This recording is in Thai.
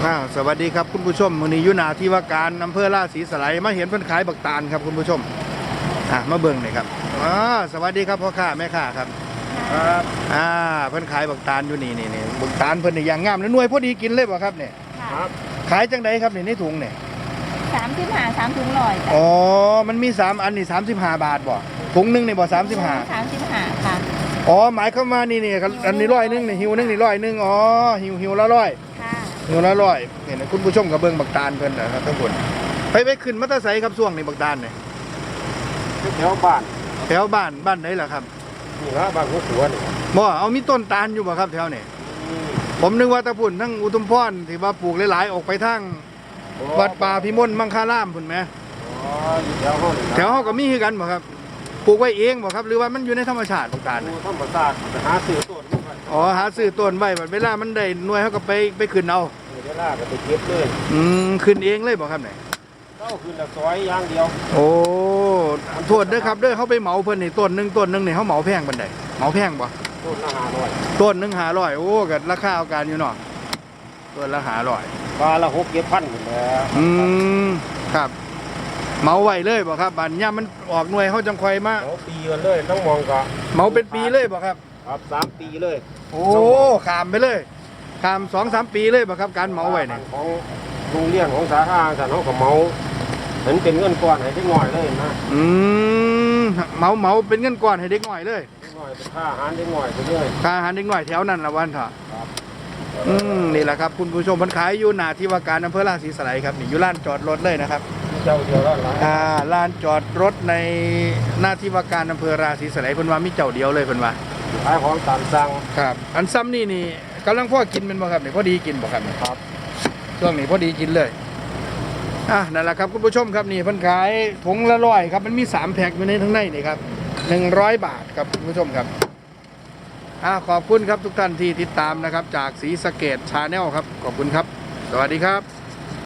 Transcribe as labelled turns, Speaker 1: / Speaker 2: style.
Speaker 1: สวัสดีครับคุณผู้ชมมื้อนี้อยู่หน้าที่ว่าการอำเภอราศีสไลมาเห็นเพิ่นขายบักตาลครับคุณผู้ชมมาเบิ่งหน่อยครับสวัสดีครับพ่อค้าแม่ค้าครับ
Speaker 2: ครับ
Speaker 1: เพิ่นขายบักตาลอยู่นี่บักตาลเพิ่นนี่อย่างงามแล้วหน่วยพอดีกินเลยบ่ครับเนี่ย
Speaker 2: ครับ
Speaker 1: ขายจังไดครับนี่ในถุงเนี่ย
Speaker 3: 35 3ถุงร้อย
Speaker 1: อ๋อมันมี3อันนี่35 บาทบ่ถุงนึงนี่บ่35
Speaker 3: ค่ะ
Speaker 1: อ๋อหมายเข้ามานี่อันนี้100นึงนี่หิวนึงนี่100นึงอ๋อหิวละ100
Speaker 3: ค่ะ
Speaker 1: หิวละ100เห็นคุณผู้ชมก็เบิ่งบักตาลเพิ่นนะครับทั้งหมดไปขึ้นมอเตอร์ไซค์ครับช่วงนี้บักตาลเนี่ย
Speaker 2: แถวบ้าน
Speaker 1: บ้านไหนล่ะครับ
Speaker 2: นี่ละบ้านหัวสวน
Speaker 1: บ่เอามีต้นตาลอยู่บ่ครับแถวนี้ผมนึกว่าตะพุ่นทั้งอุทุมพรที่ว่าปลูกหลายๆออกไปทางวัดป่าพิมลมังคารามพุ่นแหม
Speaker 2: อ๋ออยู่แถวห้อง
Speaker 1: แถวเฮาก็มีคือกันบ่ครับปลูกไว้เองบ่ครับหรือว่ามันอยู่ในธรรมชาติบักตาล
Speaker 2: ธรรมชาติหาซื้อต้น
Speaker 1: อ๋อหาซื้อต้นไว้บัดเวลามันได้หน่วยเฮาก็ไปขึ้นเอา
Speaker 2: เวลาก็ไปเก็บเลย
Speaker 1: ขึ้นเองเลยบ่ครับเนี่ย
Speaker 2: เข้าขึ้นละซอยอย่างเดียว
Speaker 1: โอ้โทษเด้อครับเด้อเฮาไปเหมาเพิ่นนี่ต้นนึงนี่เฮาเหมาแพงปานใดเหมาแพงบ่
Speaker 2: ต้นละ500
Speaker 1: ต้นนึง500โอ้ก็ราคาเอาการอยู่เนาะต้นละ500
Speaker 2: ปลาละ6-7,000พุ่นแหละ
Speaker 1: ครับเหมาไว้เลยบ่ครับบัดย่ามมันออกหน่วยเฮาจังค่อยมา
Speaker 2: เหมาปีกันเลยต้องมองก็
Speaker 1: เหมาเป็นปีเลยบ่ครับ
Speaker 2: ครับ3ปีเลย
Speaker 1: โอ้ข้ามไปเลยข้าม 2-3 ปีเลยบ่ครับการเหมาไว้นี่
Speaker 2: ของโรงเรียนของสาขาท่านเฮาก็เหมาเห็นเป็นเงินก้อนให้เด็กน้อยเลยนะ
Speaker 1: เหมาเป็นเงินก้อนให้เด็กน้อยเลย
Speaker 2: เด็กน้อยเป็นค่าอาหารเด็กน้อยไปเลย
Speaker 1: ค่าอาหารเด็กน้อยแถวนั้นละวันเถอะนี่แหละครับคุณผู้ชมเพิ่นขายอยู่หน้าที่ว่าการอำเภอราศีสไลครับนี่อยู่ลานจอดรถเลยนะครับ
Speaker 2: เจ้าเดียวแล้ว
Speaker 1: ลานจอดรถในหน้าที่ว่าการอำเภอราศีสไลเพิ่นว่ามีเจ้าเดียวเลยเพิ่นว่า
Speaker 2: ขายของตามสั่ง
Speaker 1: ครับอันซ้ำนี่กำลังพ่อกินเป็นบ่ครับนี่พอดีกินบ่ครับ
Speaker 2: ครับ
Speaker 1: ช่วงนี้พอดีกินเลยนั่นแหละครับคุณผู้ชมครับนี่เพิ่นขายถุงละ100ครับมันมี3แพ็คอยู่ในทั้งในนี่ครับ100 บาทครับคุณผู้ชมครับขอบคุณครับทุกท่านที่ติดตามนะครับจากศรีสะเกษ Channel ครับขอบคุณครับสวัสดีครับ